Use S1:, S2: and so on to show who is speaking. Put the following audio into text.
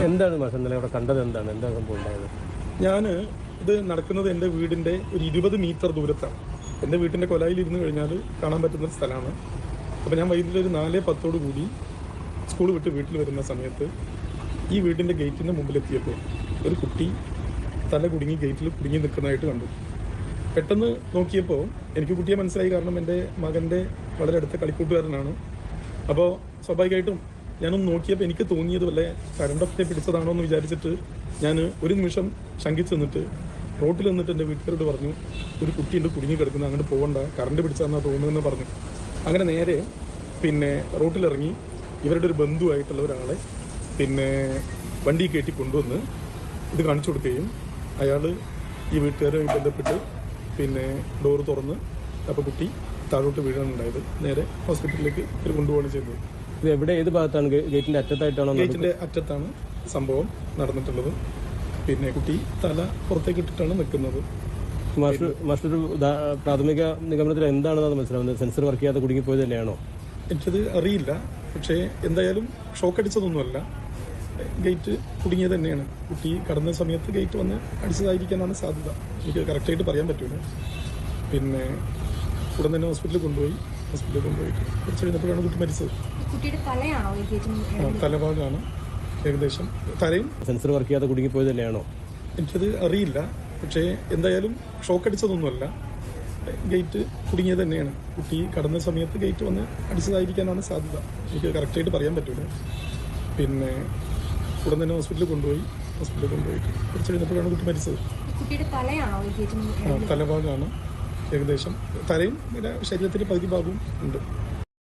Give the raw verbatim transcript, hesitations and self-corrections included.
S1: എന്താണ് മാസം ഇന്നലെ അവിടെ കണ്ടത്? എന്താണ് എന്താ സംഭവം ഉണ്ടായത്?
S2: ഞാൻ ഇത് നടക്കുന്നത് എൻ്റെ വീടിൻ്റെ ഒരു ഇരുപത് മീറ്റർ ദൂരത്താണ്. എൻ്റെ വീട്ടിൻ്റെ കൊലായിൽ ഇരുന്ന് കഴിഞ്ഞാൽ കാണാൻ പറ്റുന്ന സ്ഥലമാണ്. അപ്പോൾ ഞാൻ വൈകിട്ട് ഒരു നാല് പത്തോടു കൂടി സ്കൂൾ വിട്ട് വീട്ടിൽ വരുന്ന സമയത്ത് ഈ വീടിൻ്റെ ഗേറ്റിൻ്റെ മുമ്പിലെത്തിയപ്പോൾ ഒരു കുട്ടി തല കുടുങ്ങി ഗേറ്റിൽ കുടുങ്ങി നിൽക്കുന്നതായിട്ട് കണ്ടു. പെട്ടെന്ന് നോക്കിയപ്പോൾ എനിക്ക് കുട്ടിയെ മനസ്സിലായി, കാരണം എൻ്റെ മകൻ്റെ വളരെ അടുത്ത കളിക്കൂട്ടുകാരനാണ്. അപ്പോൾ സ്വാഭാവികമായിട്ടും ഞാനൊന്ന് നോക്കിയപ്പോൾ എനിക്ക് തോന്നിയത് വല്ല കരണ്ടൊക്കെ പിടിച്ചതാണോ എന്ന് വിചാരിച്ചിട്ട് ഞാൻ ഒരു നിമിഷം ശങ്കിച്ച് നിന്നിട്ട് റോട്ടിൽ നിന്നിട്ട് എൻ്റെ വീട്ടുകാരോട് പറഞ്ഞു, ഒരു കുട്ടിയുണ്ട് കുടുങ്ങി കിടക്കുന്നത്, അങ്ങോട്ട് പോകണ്ട, കറണ്ട് പിടിച്ചതെന്നാണ് തോന്നുന്നതെന്ന് പറഞ്ഞു. അങ്ങനെ നേരെ പിന്നെ റോട്ടിലിറങ്ങി ഇവരുടെ ഒരു ബന്ധുവായിട്ടുള്ള ഒരാളെ പിന്നെ വണ്ടി കയറ്റി കൊണ്ടുവന്ന് ഇത് കാണിച്ചു കൊടുക്കുകയും അയാൾ ഈ വീട്ടുകാരുമായി ബന്ധപ്പെട്ട് പിന്നെ ഡോറ് തുറന്ന് അപ്പോൾ കുട്ടി താഴോട്ട് വീഴാനുണ്ടായത്. നേരെ ഹോസ്പിറ്റലിലേക്ക് ഇവർ കൊണ്ടുപോവുകയാണ് ചെയ്തത്.
S1: ഇത് എവിടെ, ഏത് ഭാഗത്താണ്? ഗേറ്റിന്റെ അറ്റത്തായിട്ടാണോ?
S2: ഗേറ്റിന്റെ അറ്റത്താണ് സംഭവം നടന്നിട്ടുള്ളത്. പിന്നെ കുട്ടി തല പുറത്തേക്ക് ഇട്ടിട്ടാണ് നിൽക്കുന്നത്.
S1: മാസ്റ്റർ മാസ്റ്റർ പ്രാഥമിക നിഗമനത്തിൽ എന്താണെന്ന് മനസ്സിലാവുന്നത്? സെൻസർ വർക്ക് ചെയ്യാതെ കുടുങ്ങിപ്പോയത് തന്നെയാണോ?
S2: എനിക്കത് അറിയില്ല. പക്ഷേ എന്തായാലും ഷോക്ക് അടിച്ചതൊന്നുമല്ല, ഗേറ്റ് കുടുങ്ങിയത് തന്നെയാണ്. കുട്ടി കടന്ന സമയത്ത് ഗേറ്റ് വന്ന് അടിച്ചതായിരിക്കാനാണ് സാധ്യത. എനിക്ക് കറക്റ്റായിട്ട് പറയാൻ പറ്റൂല. പിന്നെ ഉടൻ തന്നെ ഹോസ്പിറ്റലിൽ കൊണ്ടുപോയി. ഹോസ്പിറ്റലിൽ കൊണ്ടുപോയിട്ട് കുറച്ച് കഴിഞ്ഞപ്പോഴാണ് കുട്ടി മരിച്ചത്. തലഭാഗമാണ് ഏകദേശം, തലയും.
S1: സെൻസർ വർക്ക് ചെയ്യാതെ കുടുങ്ങിപ്പോയത് തന്നെയാണോ?
S2: എനിക്കത് അറിയില്ല. പക്ഷേ എന്തായാലും ഷോക്ക് അടിച്ചതൊന്നുമല്ല, ഗേറ്റ് കുടുങ്ങിയത് തന്നെയാണ്. കുട്ടി കടന്ന സമയത്ത് ഗേറ്റ് വന്ന് അടിച്ചതായിരിക്കാനാണ് സാധ്യത. എനിക്ക് കറക്റ്റായിട്ട് പറയാൻ പറ്റൂല. പിന്നെ ഉടൻ തന്നെ ഹോസ്പിറ്റലിൽ കൊണ്ടുപോയി. ഹോസ്പിറ്റലിൽ കൊണ്ടുപോയിട്ട് കുറച്ച് കഴിഞ്ഞപ്പോഴാണ് കുട്ടി മരിച്ചത്. തലഭാഗമാണ് ഏകദേശം, തലയും ശരീരത്തിന്റെ പകുതി ഭാഗവും ഉണ്ട്.